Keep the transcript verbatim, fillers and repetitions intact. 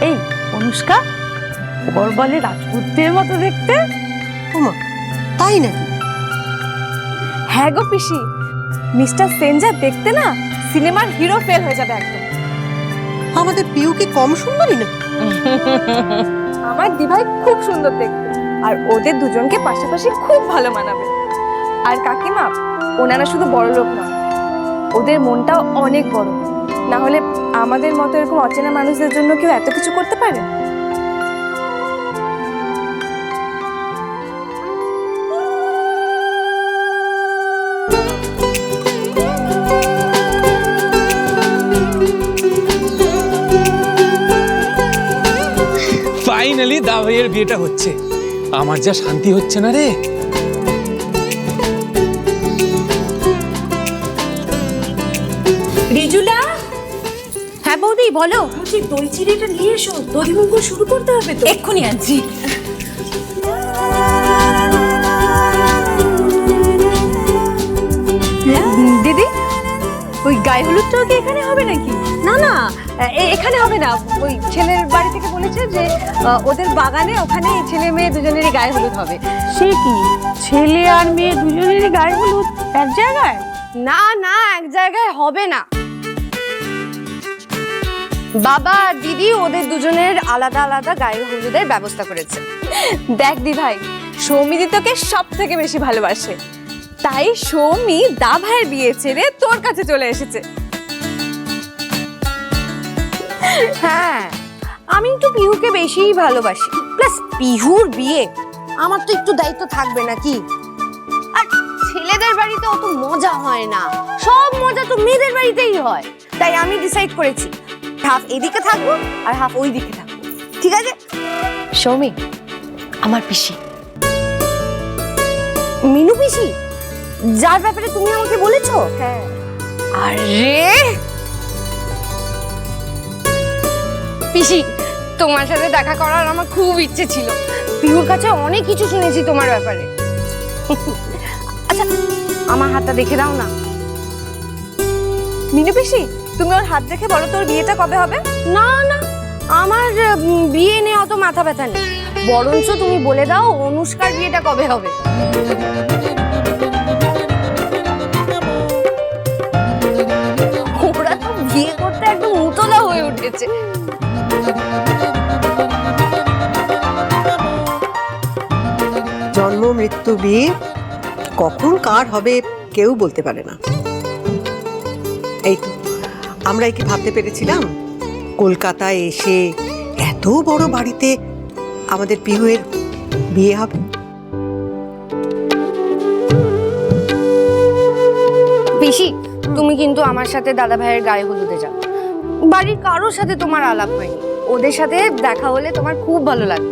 এই অনুষ্কা, ওর বলে রাজপুত্রের মতো দেখতে। ওমা, তাই নাকি? হ্যাঁ গো পিসি, মিস্টার সেন যা দেখতে না সিনেমার হিরো ফেল হয়ে যাবে একদম। আমাদের পিউ কি কম সুন্দরী না? আমার দিভাই খুব সুন্দর দেখতে, আর ওদের দুজনকে পাশাপাশি খুব ভালো মানাবে। আর কাকিমা, ওনারা শুধু বড় লোক নয়, ওদের মনটাও অনেক বড়। না হলে আমাদের মতো এরকম অচেনা মানুষদের জন্য কেউ এত কিছু করতে পারে? ফাইনালি দা ভাইয়ের বিয়েটা হচ্ছে, আমার যা শান্তি হচ্ছে না রে। রিজুলা, হ্যাঁ বৌদি বলো। বলছি দই চিড়েটা নিয়ে এসো, দই মুঙ্গল শুরু করতে হবে তো। এক্ষুনি আনছি। দিদি, ওই গায়ে হলুদটাও কি এখানে হবে নাকি? না না, এখানে হবে না। ওই ছেলের বাড়ি থেকে বলেছে যে ওদের বাগানে ওখানে ছেলে মেয়ে দুজনেরই গায়ে হলুদ হবে। সে কি, ছেলে আর মেয়ে দুজনেরই গায়ে হলুদ এক জায়গায়? না না, এক জায়গায় হবে না। বাবা আর দিদি ওদের দুজনের আলাদা আলাদা গায়ে হলুদের ব্যবস্থা করেছে। দেখ দি ভাই, সৌমিদি তোকে সব থেকে বেশি ভালোবাসে, তাই সৌমি দা ভাইয়ের বিয়ে ছেড়ে তোর কাছে চলে এসেছে। হ্যাঁ, আমি তো পিহুকে বেশিই ভালোবাসি। প্লাস পিহুর বিয়ে, আমার তো একটু দায়িত্ব থাকবে নাকি? আর ছেলেদের বাড়িতে অত মজা হয় না, সব মজা তো মেয়েদের বাড়িতেই হয়। তাই আমি ডিসাইড করেছি হাফ এদিকে থাকবো আর হাফ ওই দিকে থাকবো, ঠিক আছে? সৌমি আমার পিসি। মিনু পিসি, যার ব্যাপারে তুমি আমাকে বলেছো? হ্যাঁ। আরে পিসি, তোমার সাথে দেখা করার আমার খুব ইচ্ছে ছিল। পিহুর কাছে অনেক কিছু শুনেছি তোমার ব্যাপারে। আচ্ছা, আমার হাতটা দেখে দাও না। মিনু পিসি, তুমি ওর হাত দেখে বলো তোর বিয়েটা কবে হবে? না না, আমার উম, বিয়ে নিয়ে অত মাথা ব্যথা নেই। বরঞ্চ তুমি বলে দাও অনুষ্কার বিয়েটা কবে হবে। ওরা তো বিয়ে করতে একদম উতলা হয়ে উঠেছে। জন্ম মৃত্যু বিয়ে কখন কার হবে কেউ বলতে পারে না। এই তো আমরা কি ভাবতে পেরেছিলাম কলকাতায় এসে এত বড় বাড়িতে আমাদের পিহুয়ের বিয়ে হবে? পিসি, তুমি কিন্তু আমার সাথে দাদা ভাইয়ের গায়ে হলুদে যাও। বাড়ির কারোর সাথে তোমার আলাপ হয়নি, ওদের সাথে দেখা হলে তোমার খুব ভালো লাগবে।